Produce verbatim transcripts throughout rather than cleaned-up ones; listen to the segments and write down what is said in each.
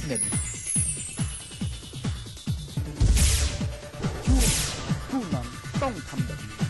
Business ช่วงผู้นำต้องทำแบบนี้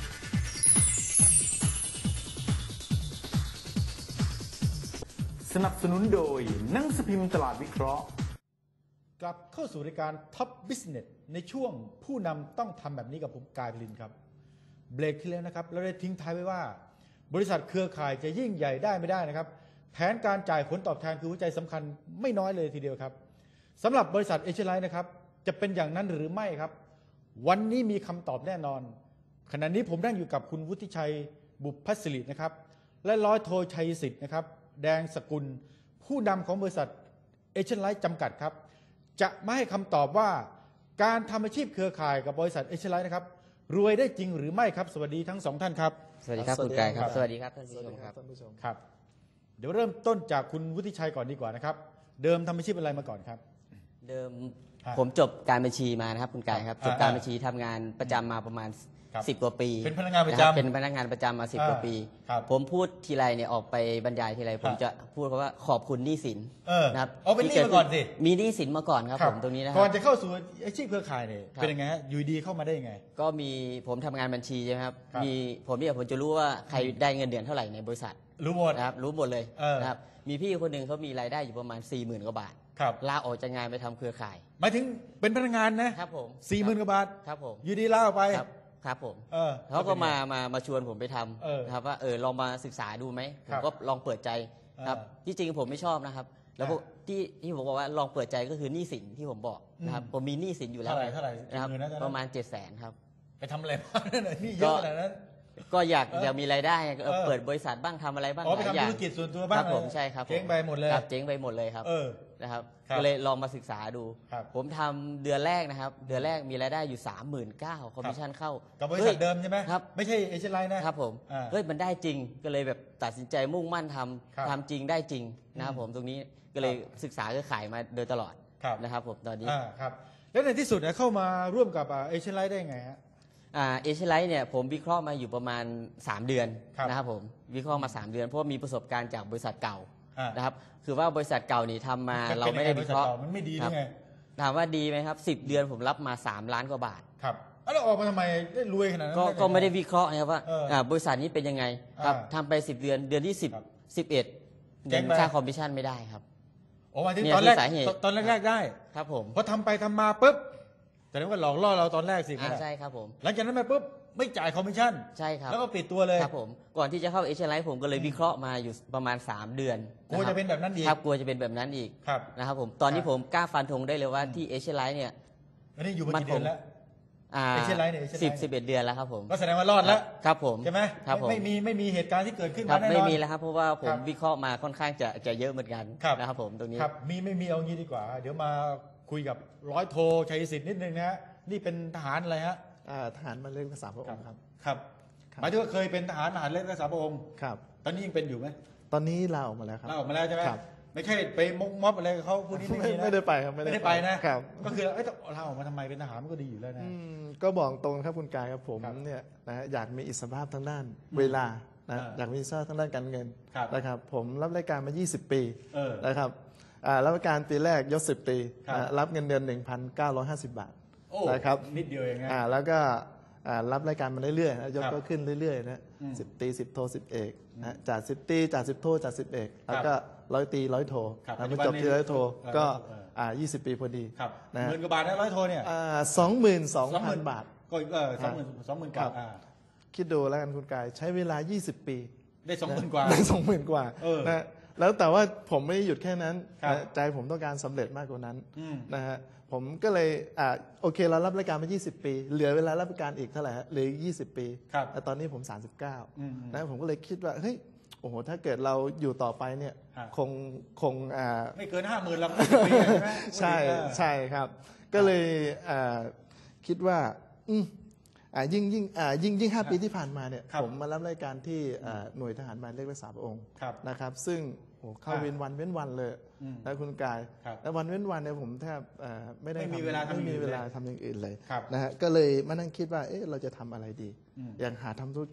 สนับสนุนโดยหนังสือพิมพ์ตลาดวิเคราะห์กลับเข้าสู่รายการ Top Business ในช่วงผู้นำต้องทำแบบนี้กับผมกายพลินครับเบรกที่แล้วนะครับเราได้ทิ้งท้ายไว้ว่าบริษัทเครือข่ายจะยิ่งใหญ่ได้ไม่ได้นะครับแผนการจ่ายผลตอบแทนคือหัวใจสำคัญไม่น้อยเลยทีเดียวครับสำหรับบริษัทเอเชียไลน์นะครับจะเป็นอย่างนั้นหรือไม่ครับวันนี้มีคำตอบแน่นอนขณะนี้ผมนั่งอยู่กับคุณวุฒิชัยบุพพศิรินะครับและร้อยโทชัยสิทธิ์นะครับแดงสกุลผู้นำของบริษัทเอเชียไลน์จำกัดครับจะมาให้คำตอบว่าการทำอาชีพเครือข่ายกับบริษัทเอเชียไลน์นะครับรวยได้จริงหรือไม่ครับสวัสดีทั้งสองท่านครับสวัสดีครับคุณกายครับสวัสดีครับท่านผู้ชมครับครับเดี๋ยวเริ่มต้นจากคุณวุฒิชัยก่อนดีกว่านะครับเดิมทำอาชีพอะไรมาก่อนครับเดิมผมจบการบัญชีมานะครับคุณกายครับจบการบัญชีทำงานประจำมาประมาณสิบกว่าปีเป็นพนักงานประจำเป็นพนักงานประจำมาสิบกว่าปีผมพูดทีไรเนี่ยออกไปบรรยายทีไรผมจะพูดเพราะว่าขอบคุณหนี้สินนะครับเอาเป็นหนี้มาก่อนสิมีหนี้สินมาก่อนครับผมตรงนี้นะครับก่อนจะเข้าสู่อาชีพเครือข่ายเนี่ยเป็นยังไงฮะอยู่ดีเข้ามาได้ยังไงก็มีผมทำงานบัญชีใช่ไหมครับมีผมเนี่ยผมจะรู้ว่าใครได้เงินเดือนเท่าไหร่ในบริษัทรู้หมดนะครับรู้หมดเลยนะครับมีพี่คนหนึ่งเขามีรายได้อยู่ประมาณสี่หมื่นกว่าบาทลาออกจากงานไปทำเครือข่ายหมายถึงเป็นพนักงานนะครับผมสี่หมื่นกว่าบาทครับผมอยู่ดีลาออกไปครับผมเขาก็มามามาชวนผมไปทำนะครับว่าเออลองมาศึกษาดูไหมผมก็ลองเปิดใจครับที่จริงผมไม่ชอบนะครับแล้วที่ที่ผมบอกว่าลองเปิดใจก็คือหนี้สินที่ผมบอกนะครับผมมีหนี้สินอยู่แล้วเท่าไหร่นะครับประมาณเจ็ดแสนครับไปทำอะไรบ้างนั่นน่ะนี่เยอะขนาดนั้นก็อยากอยากมีรายได้เปิดบริษัทบ้างทำอะไรบ้างอ๋อไปทำธุรกิจส่วนตัวบ้างผมใช่ครับเจ๊งไปหมดเลยครับเจ๊งไปหมดเลยครับนะครับก็เลยลองมาศึกษาดูผมทำเดือนแรกนะครับเดือนแรกมีรายได้อยู่สามหมื่นเก้าคอมมิชชั่นเข้ากับบริษัทเดิมใช่ไหมครับไม่ใช่เอเชียไลน์นะครับผมเฮ้ยมันได้จริงก็เลยแบบตัดสินใจมุ่งมั่นทำทำจริงได้จริงนะครับผมตรงนี้ก็เลยศึกษาเครือข่ายมาโดยตลอดนะครับผมตอนนี้ครับแล้วในที่สุดเข้ามาร่วมกับเอเชียไลน์ได้ไงฮะเอเชียไลท์เนี่ยผมวิเคราะห์มาอยู่ประมาณสามเดือนนะครับผมวิเคราะห์มาสามเดือนเพราะมีประสบการณ์จากบริษัทเก่านะครับคือว่าบริษัทเก่านี่ทำมาเราไม่ได้วิเคราะห์มันไม่ดีหรือไงถามว่าดีไหมครับสิบเดือนผมรับมาสามล้านกว่าบาทครับแล้วออกมาทำไมได้รวยขนาดนั้นก็ไม่ได้วิเคราะห์นะครับว่าบริษัทนี้เป็นยังไงครับทำไปสิบเดือนเดือนที่สิบ สิบเอ็ดเงินค่าคอมมิชชั่นไม่ได้ครับโอ้มาที่ตอนแรกตอนแรกได้ครับผมพอทำไปทำมาปุ๊บแต่นั้นก็หลอกล่อเราตอนแรกสิใช่ครับผมหลังจากนั้นไปปุ๊บไม่จ่ายคอมมิชชั่นใช่ครับแล้วก็ปิดตัวเลยครับผมก่อนที่จะเข้าเอเชียไลท์ผมก็เลยวิเคราะห์มาอยู่ประมาณสามเดือนกลัวจะเป็นแบบนั้นอีกครับกลัวจะเป็นแบบนั้นอีกนะครับผมตอนนี้ผมกล้าฟันธงได้เลยว่าที่เอเชียไลท์เนี่ยอันนี้อยู่มากี่เดือนแล้วเอเชียไลท์เนี่ยสิบสิบเอ็ดเดือนแล้วครับผมก็แสดงว่ารอดแล้วครับผมใช่ไหมครับผมไม่มีไม่มีเหตุการณ์ที่เกิดขึ้นมาแน่นอนไม่มีแล้วครับเพราะว่าผมวิเคราะห์มาค่อนข้างจะจะเยอะเหมือนกันนะครับผมตรงนี้ครับมีไม่มีเอางี้ดีกว่าเดี๋ยวมาคุยกับร้อยโทชัยสิทธิ์นิดนึงนะฮะนี่เป็นทหารอะไรฮะทหารมาเล่นภาษาพระองค์ครับครับหมายถึงว่าเคยเป็นทหารทหารเล่นภาษาพระองค์ครับตอนนี้ยังเป็นอยู่ไหมตอนนี้ลาออกมาแล้วครับลาออกมาแล้วใช่ไหมไม่ใช่ไปมกม็อบอะไรกับเขาพวกนี้ไม่มีนะไม่ได้ไปครับไม่ได้ไปนะครับก็คือเอ้ยลาออกมาทำไมเป็นทหารมันก็ดีอยู่แล้วนะก็บอกตรงครับคุณกายครับผมเนี่ยนะอยากมีอิสรภาพทางด้านเวลานะอยากมีอิสรภาพทางด้านการเงินนะครับผมรับรายการมายี่สิบปีนะครับรับราชการปีแรกยศสิบปีรับเงินเดือน หนึ่งพันเก้าร้อยห้าสิบบาทนะครับนิดเดียวเองนะแล้วก็รับรายการมาเรื่อยๆนะยศก็ขึ้นเรื่อยๆนะสิบตีสิบโทสิบเอกนะจากสิบตีจากสิบโทจากสิบเอกแล้วก็ร้อยตีร้อยโทนะมาจบที่ร้อยโทก็ยี่สิบปีพอดีนะหมื่นกว่าบาทนะร้อยโทเนี่ยสองหมื่นสองพันบาทก็เออสองหมื่นสองหมื่นกว่าคิดดูแล้วกันคุณกายใช้เวลายี่สิบปีได้สองหมื่นกว่าได้สองหมื่นกว่านะแล้วแต่ว่าผมไม่ได้หยุดแค่นั้นใจผมต้องการสำเร็จมากกว่านั้นนะฮะผมก็เลยอ่าโอเคเรารับราชการมายี่สิบปีเหลือเวลารับราชการอีกเท่าไหร่ฮะเหลือยี่สิบปีแต่ตอนนี้ผมสามสิบเก้านะผมก็เลยคิดว่าเฮ้ยโอ้โหถ้าเกิดเราอยู่ต่อไปเนี่ยคงคงอ่าไม่เกินห้าหมื่นแล้วใช่ใช่ครับก็เลยอ่าคิดว่าอืมอ่ายิ่งยิ่งอ่ายิ่งยิ่งห้าปีที่ผ่านมาเนี่ยผมมารับราชการที่หน่วยทหารหมายเลขรักษาพระองค์นะครับซึ่งโอ้เข้าเว้นวันเว้นวันเลยนะคุณกายแล้ววันเว้นวันเนี่ยผมแทบไม่ได้ไม่มีเวลาไม่มีเวลาทำอย่างอื่นเลยนะฮะก็เลยมานั่งคิดว่าเอ๊ะเราจะทำอะไรดีอย่างหาทำธุรกิจ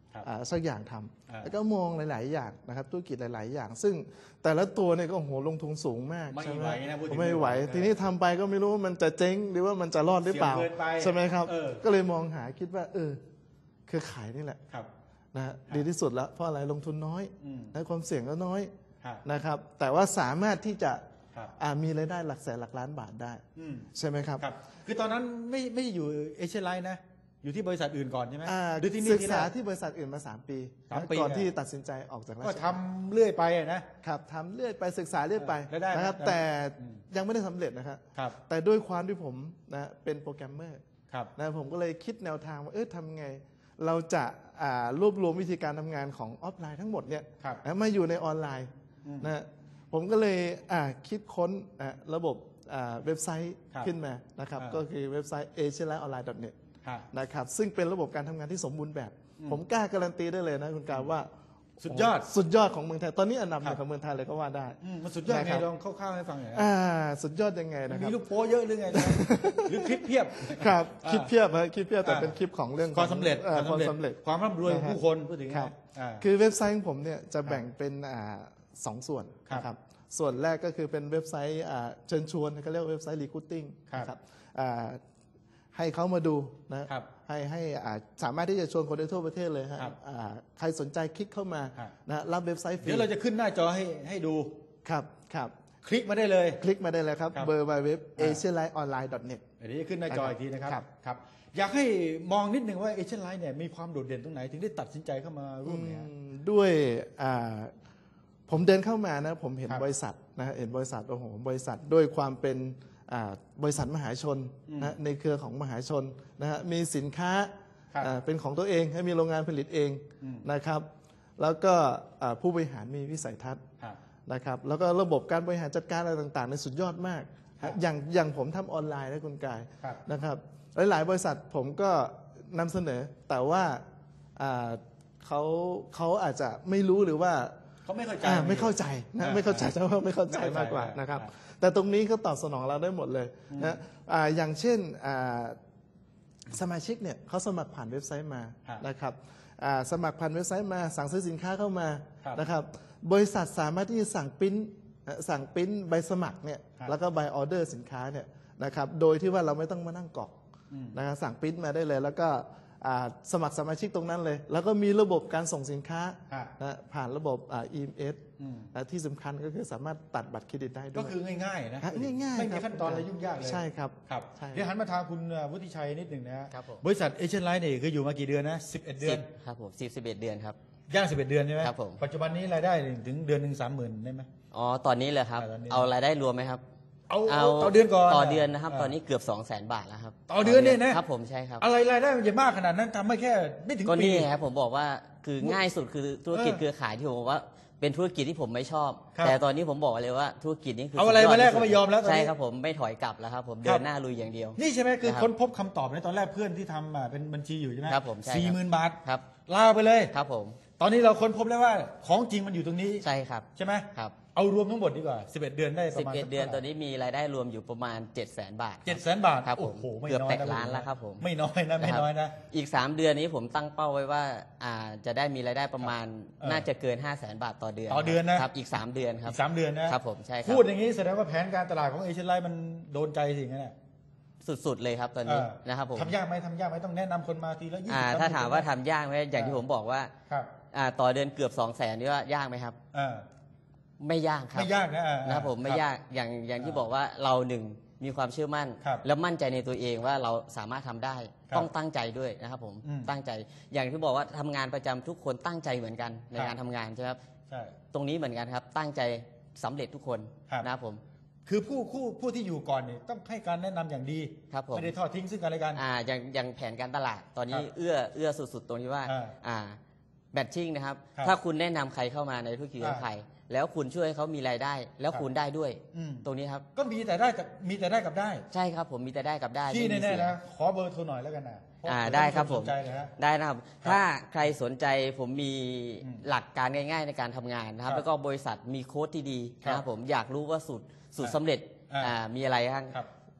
สักอย่างทำแล้วก็มองหลายๆอย่างนะครับธุรกิจหลายๆอย่าง ซึ่งแต่ละตัวเนี่ยก็โอ้โหลงทุนสูงมากไม่ไหวนะพูดถึงไม่ไหวทีนี้ทำไปก็ไม่รู้ว่ามันจะเจ๊งหรือว่ามันจะรอดหรือเปล่าใช่ไหมครับก็เลยมองหาคิดว่าเออเครือข่ายนี่แหละนะฮะดีที่สุดแล้วเพราะอะไรลงทุนน้อยและความเสี่ยงก็น้อยนะครับแต่ว่าสามารถที่จะมีรายได้หลักแสนหลักล้านบาทได้ใช่ไหมครับคือตอนนั้นไม่ไม่อยู่เอเชียไลน์นะอยู่ที่บริษัทอื่นก่อนใช่ไหมศึกษาที่บริษัทอื่นมาสามปีก่อนที่ตัดสินใจออกจากราชการก็ทำเรื่อยไปนะครับทำเรื่อยไปศึกษาเรื่อยไปนะครับแต่ยังไม่ได้สำเร็จนะครับแต่ด้วยความที่ผมนะเป็นโปรแกรมเมอร์นะผมก็เลยคิดแนวทางว่าเออทำไงเราจะรวบรวมวิธีการทำงานของออฟไลน์ทั้งหมดเนี่ยมาอยู่ในออนไลน์นะผมก็เลยคิดค้นระบบเว็บไซต์ขึ้นมานะครับก็คือเว็บไซต์ เอเชียไลน์ออนไลน์ ดอท เน็ต นะครับซึ่งเป็นระบบการทำงานที่สมบูรณ์แบบ ผมกล้าการันตีได้เลยนะคุณกาว่าสุดยอดสุดยอดของเมืองไทยตอนนี้อันดับหนึ่งของเมืองไทยเลยก็ว่าได้มันสุดยอดไงลองคร่าวๆให้ฟังหน่อยอ่าสุดยอดยังไงนะครับมีลูกโป้เยอะหรือไงหรือคลิปเพียบครับคลิปเพียบคลิปเพียบแต่เป็นคลิปของเรื่องความสำเร็จความสำเร็จความร่ำรวยของผู้คนพูดถึงคือเว็บไซต์ของผมเนี่ยจะแบ่งเป็นสองส่วนนะครับส่วนแรกก็คือเป็นเว็บไซต์เชิญชวนเขาเรียกว่าเว็บไซต์ recruiting นะครับให้เขามาดูนะให้ให้สามารถที่จะชวนคนได้ทั่วประเทศเลยฮะใครสนใจคลิกเข้ามานะรับเว็บไซต์ฟรีเดี๋ยวเราจะขึ้นหน้าจอให้ให้ดูครับครับคลิกมาได้เลยคลิกมาได้เลยครับเบอร์เว็บ เอเชียไลน์ออนไลน์ ดอท เน็ตเดี๋ยวจะขึ้นหน้าจออีกทีนะครับครับอยากให้มองนิดนึงว่า เอเชียไลน์เนี่ยมีความโดดเด่นตรงไหนถึงได้ตัดสินใจเข้ามาร่วมเนี่ยด้วยผมเดินเข้ามานะผมเห็นบริษัทนะเห็นบริษัทโอ้โหบริษัทด้วยความเป็นบริษัทมหาชนนะในเครือของมหาชนนะฮะมีสินค้าเป็นของตัวเองให้มีโรงงานผลิตเองนะครับแล้วก็ผู้บริหารมีวิสัยทัศน์นะครับแล้วก็ระบบการบริหารจัดการอะไรต่างๆในสุดยอดมากอย่างอย่างผมทำออนไลน์นะคุณกายนะครับหลายๆบริษัทผมก็นำเสนอแต่ว่าเขาเขาอาจจะไม่รู้หรือว่าเขาไม่เข้าใจไม่เข้าใจนะไม่เข้าใจจะว่าไม่เข้าใจมากกว่านะครับแต่ตรงนี้เขาตอบสนองเราได้หมดเลยนะอย่างเช่นสมาชิกเนี่ยเขาสมัครผ่านเว็บไซต์มานะครับสมัครผ่านเว็บไซต์มาสั่งซื้อสินค้าเข้ามานะครับบริษัทสามารถที่จะสั่งปริ้นสั่งปริ้นใบสมัครเนี่ยแล้วก็ใบออเดอร์สินค้าเนี่ยนะครับโดยที่ว่าเราไม่ต้องมานั่งกรอกนะครับสั่งปริ้นมาได้เลยแล้วก็สมัครสมาชิกตรงนั้นเลยแล้วก็มีระบบการส่งสินค้านะผ่านระบบ อี เอ็ม เอส ที่สำคัญก็คือสามารถตัดบัตรเครดิตได้ด้วยก็คือง่ายๆนะง่ายๆไม่มีขั้นตอนอะไรยุ่งยากเลยใช่ครับครับเดี๋ยวหันมาทางคุณวุฒิชัยนิดหนึ่งนะครับบริษัทเอเชียไลน์เนี่ยคืออยู่มากี่เดือนนะสิบเอ็ดเดือนครับผมสิบ สิบเอ็ดเดือนครับย่างสิบเอ็ดเดือนใช่ไหมครับผมปัจจุบันนี้รายได้ถึงเดือนหนึ่งสามหมื่นได้ไหมอ๋อตอนนี้เลยครับเอารายได้รวมไหมครับเอาต่อเดือนก่อนต่อเดือนนะครับตอนนี้เกือบสองแสนบาทแล้วครับต่อเดือนเนี่ยนะครับผมใช่ครับอะไรรายได้มันจะมากขนาดนั้นทำไม่แค่ไม่ถึงปีก็นี่ครับผมบอกว่าคือง่ายสุดคือธุรกิจเครือข่ายที่ผมบอกว่าเป็นธุรกิจที่ผมไม่ชอบแต่ตอนนี้ผมบอกเลยว่าธุรกิจนี้คือเอาอะไรมาแรกก็ไม่ยอมแล้วใช่ครับผมไม่ถอยกลับแล้วครับผมเดินหน้าลุยอย่างเดียวนี่ใช่ไหมคือค้นพบคำตอบในตอนแรกเพื่อนที่ทำเป็นบัญชีอยู่ใช่ไหมครับผมสี่หมื่นบาทครับลาไปเลยครับผมตอนนี้เราค้นพบแล้วว่าของจริงมันอยู่ตรงนี้ใช่ครับใช่ไหมครับเอารวมทั้งหมดดีกว่าสิบเอ็ดเดือนได้ประมาณสิบเอ็ดเดือนตอนนี้มีรายได้รวมอยู่ประมาณ เจ็ดแสน บาทเจ็ดแสน บาทครับผมเกือบแตะล้านแล้วครับผมไม่น้อยนะไม่น้อยนะอีกสามเดือนนี้ผมตั้งเป้าไว้ว่าอ่าจะได้มีรายได้ประมาณน่าจะเกิน ห้าแสน บาทต่อเดือนต่อเดือนนะครับอีกสามเดือนครับอีกสามเดือนนะครับผมใช่ครับพูดอย่างนี้แสดงว่าแผนการตลาดของเอเชียไลน์มันโดนใจสิ่งนั้นแหละสุดๆเลยครับตอนนี้นะครับผมทำยากไหมทำยากไหมต้องแนะนำคนมาทีละยี่สิบถ้าถามว่าทำยากไหมอย่างที่ผมบอกว่าต่อเดือนเกือบสองแสนนี่ว่ายากไหมครับไม่ยากครับไม่ยากนะนะครับผมไม่ยากอย่างอย่างที่บอกว่าเราหนึ่งมีความเชื่อมั่นและมั่นใจในตัวเองว่าเราสามารถทำได้ต้องตั้งใจด้วยนะครับผมตั้งใจอย่างที่บอกว่าทำงานประจำทุกคนตั้งใจเหมือนกันในการทำงานใช่ไหมครับตรงนี้เหมือนกันครับตั้งใจสำเร็จทุกคนนะครับผมคือผู้ผู้ผู้ที่อยู่ก่อนเนี่ยต้องให้การแนะนำอย่างดีไม่ได้ทอดทิ้งซึ่งกันและกันอ่าอย่างอย่างแผนการตลาดตอนนี้เอื้อเอื้อสุดๆตรงที่ว่าอ่าแบทชิ่งนะครับถ้าคุณแนะนำใครเข้ามาในธุรกิจของใครแล้วคุณช่วยให้เขามีรายได้แล้วคุณได้ด้วยตรงนี้ครับก็มีแต่ได้กับมีแต่ได้กับได้ใช่ครับผมมีแต่ได้กับได้ที่แน่ๆนะขอเบอร์โทรหน่อยแล้วกันนะอ่าได้ครับผมได้นะครับถ้าใครสนใจผมมีหลักการง่ายๆในการทำงานนะครับแล้วก็บริษัทมีโค้ดที่ดีนะครับผมอยากรู้ว่าสูตรสูตรสำเร็จอ่ามีอะไรบ้าง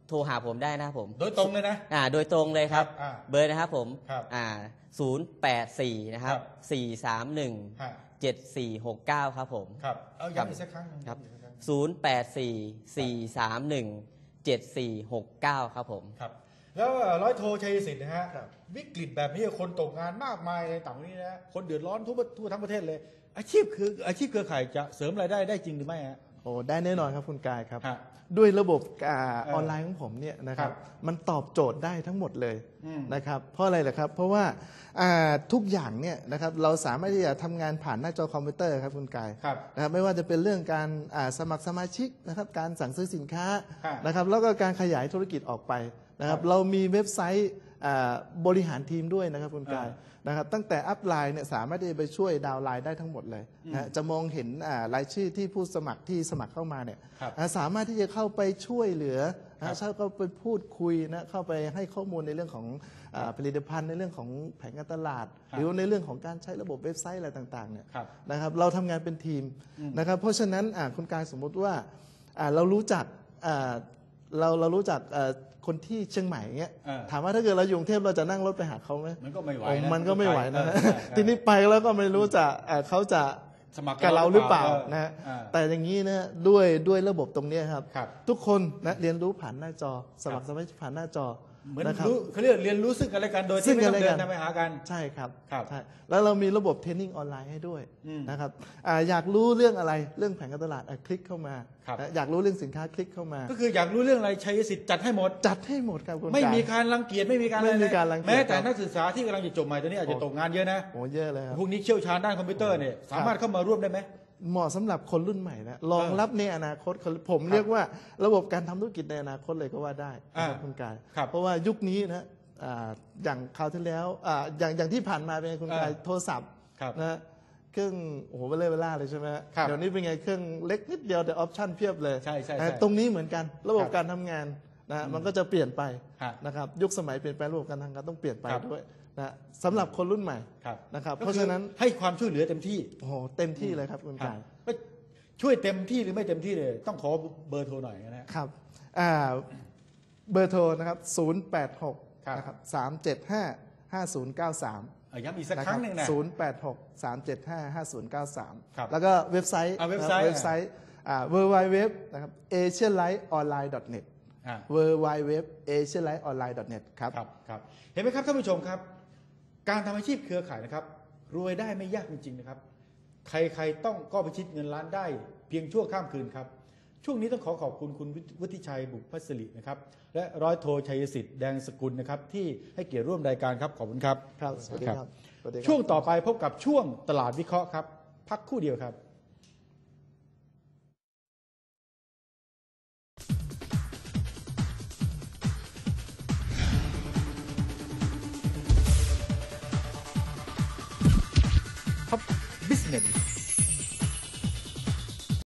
โทรหาผมได้นะครับผมโดยตรงเลยนะอ่าโดยตรงเลยครับอ่าเบอร์นะครับผมครับอ่าศูนย์แปดสี่นะครับครับสี่สามหนึ่งฮะเจ็ดสี่หกเก้าครับผมครับเอาย้ำอีกสักครั้งหนึ่งครับย้ำอีกสักครั้งศูนย์แปดสี่สี่สามหนึ่งเจ็ดสี่หกเก้าครับผมครับแล้วร้อยโทชัยสิทธิ์นะฮะครับวิกฤตแบบนี้คนตกงานมากมายในต่างประเทศนะคนเดือดร้อนทั่วทั่วทั้งประเทศเลย อาชีพคืออาชีพเครือข่ายจะเสริมรายได้ได้จริงหรือไม่ฮะโอ้ได้แน่นอนครับคุณกายครับฮะด้วยระบบอาเออออนไลน์ของผมเนี่ยนะครับครับมันตอบโจทย์ได้ทั้งหมดเลยอืมนะครับเพราะอะไรล่ะครับ เพราะว่าอ่าทุกอย่างเนี่ยนะครับเราสามารถที่จะทำงานผ่านหน้าจอคอมพิวเตอร์ครับคุณกายครับนะครับไม่ว่าจะเป็นเรื่องการอ่าสมัครสมาชิกนะครับการสั่งซื้อสินค้าครับนะครับแล้วก็การขยายธุรกิจออกไปนะครับครับเรามีเว็บไซต์อ่าบริหารทีมด้วยนะครับคุณกายอ่านะครับตั้งแต่อัพไลน์เนี่ยสามารถที่จะไปช่วยดาวน์ไลน์ได้ทั้งหมดเลยนะจะมองเห็นอ่ารายชื่อที่ผู้สมัครที่สมัครเข้ามาเนี่ยครับอ่าสามารถที่จะเข้าไปช่วยเหลือครับนะเข้าไปพูดคุยนะเข้าไปให้ข้อมูลในเรื่องของอาผลิตภัณฑ์ในเรื่องของแผนการตลาดครับหรือในเรื่องของการใช้ระบบเว็บไซต์อะไรต่างๆเนี่ยครับนะครับเราทำงานเป็นทีมนะครับเพราะฉะนั้นอ่าคุณกายสมมุติว่าอ่าเรารู้จักอ่าเราเรารู้จักอ่าคนที่เชียงใหม่เงี้ยเออถามว่าถ้าเกิดเราอยู่กรุงเทพเราจะนั่งรถไปหาเขาไหมมันก็ไม่ไหวโอ้นะมันก็ไม่ไหวนะเออใช่ใช่ทีนี้ไปแล้วก็ไม่รู้จะอ่าเขาจะสมัครกับเราหรือเปล่าเออนะฮะอ่าแต่อย่างนี้นะด้วยด้วยระบบตรงเนี้ยครับครับทุกคนนะเรียนรู้ผ่านหน้าจอ สมัครสมาชิกผ่านหน้าจอเหมือนนะครับรู้เขาเรียกเรียนรู้ซึ่งกันและกันโดยซึ่ที่งไม่กันต้องและเดิกันนทางไปหากันใช่ครับครับใช่แล้วเรามีระบบเทรนนิ่งออนไลน์ให้ด้วยอืมนะครับอ่าอยากรู้เรื่องอะไรเรื่องแผนการตลาดอ่ะคลิกเข้ามาครับนะอยากรู้เรื่องสินค้าคลิกเข้ามาก็คืออยากรู้เรื่องอะไรชัยสิทธิ์จัดให้หมดจัดให้หมดครับคุณไม่กายมีการรังเกียจไม่มีการไม่มีอะการรังเกียจแม้แต่ครับนักศึกษาที่กำลังจะจบใหม่ตอนนี้อาจจะตกงานเยอะนะโอ้เยอะเลยครับพวกนี้เชี่ยวชาญด้านคอมพิวเตอร์เนี่ยสามารถเข้ามาร่วมได้ไหมเหมาะสำหรับคนรุ่นใหม่นะรองรับในอนาคตผมเรียกว่าระบบการทำธุรกิจในอนาคตเลยก็ว่าได้นะครับอ่าคุณกายครับเพราะว่ายุคนี้นะอ่าอย่างคราวที่แล้วอ่าอย่างอย่างที่ผ่านมาเป็นไงคุณกายอ่าโทรศัพท์ครับนะเครื่องโอ้โหเบลเลอร์เบล่าเลยใช่ไหมฮะครับเดี๋ยวนี้เป็นไงเครื่องเล็กนิดเดียวแต่ออปชั่นเพียบเลยใช่ใช่นะใช่ตรงนี้เหมือนกันระบบครับการทำงานนะมันก็จะเปลี่ยนไปฮะนะครับยุคสมัยเปลี่ยนแปลงระบบการทำงานต้องเปลี่ยนไปครับด้วยนะสำหรับคนรุ่นใหม่ครับนะครับก็เพราะคือฉะนั้นให้ความช่วยเหลือเต็มที่โอ้โหเต็มที่เลยครับคุณครับกายก็ช่วยเต็มที่หรือไม่เต็มที่เลยต้องขอเบอร์โทรหน่อยนะฮะครับอ่าเบอร์โทรนะครับศูนย์ แปด หกครับนะครับสามเจ็ดห้าห้าศูนย์เก้าสามอ่ะย้ำอีกสักครั้งหนึ่งนะศูนย์ แปด หก สามเจ็ดห้า ห้าศูนย์เก้าสามครับแล้วก็เว็บไซต์อ่าเว็บไซต์นะเว็บไซต์อ่า ดับเบิลยู ดับเบิลยู ดับเบิลยู นะครับ เอเชียไลท์ออนไลน์ ดอท เน็ตอ่าดับเบิลยู ดับเบิลยู ดับเบิลยู เอเชียไลท์ออนไลน์ ดอท เน็ต ครับครับครับเห็นไหมครับท่านผู้ชมครับ การทำอาชีพเครือข่ายนะครับ รวยได้ไม่ยากจริงๆนะครับ ใครๆต้องก็พิชิตเงินล้านได้เพียงชั่วข้ามคืนครับ ช่วงนี้ต้องขอขอบคุณคุณวุฒิชัยบุพพสิรินะครับ และร้อยโทชัยสิทธิ์แดงสกุลนะครับ ที่ให้เกียรติร่วมรายการครับขอบคุณครับครับสวัสดีครับสวัสดีครับช่วงต่อไปพบกับช่วงตลาดวิเคราะห์ครับ พักครู่เดียวครับ Top Business